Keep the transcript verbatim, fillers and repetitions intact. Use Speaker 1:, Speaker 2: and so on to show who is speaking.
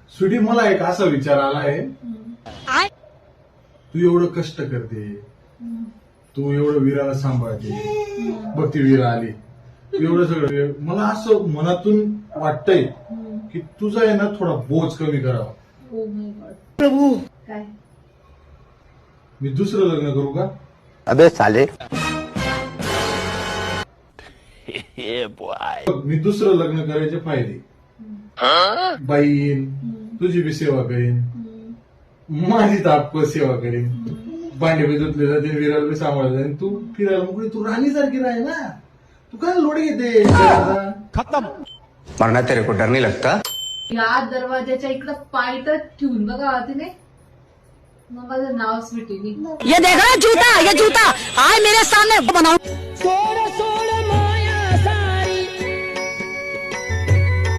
Speaker 1: स्वीटी, मला एक असा विचार आलाय, तू एवढं कष्ट करते, तू एवढं वीराला सांभाळते, बघ ती वीरा आली, तू एवढं सगळं, मला असं मनातून वाटतंय की तुझा आहे ना थोडा बोज कमी करावा.
Speaker 2: प्रभू काय
Speaker 1: मी दुसरं लग्न करू का?
Speaker 3: अबे साले
Speaker 1: मी दुसरं लग्न करायचे फायदे, बाईन तुझी बी सेवा करीन, माझी ताप सेवा करीन, भांडे बी धुतले जाते, विराला बी सांभाळले जाईल, तू फिरायला मोकळी, तू राणी सारखी राह ना, तू काय लोड घेते.
Speaker 3: खत्म. मरना तेरे को डर नहीं लगता?
Speaker 2: या दरवाजाच्या इकडं पाय तर ठेवून बघा तिने, मग माझं नाव स्वीटी.
Speaker 4: ये देख रहा जूता, ये जूता आए मेरे सामने बनाओ.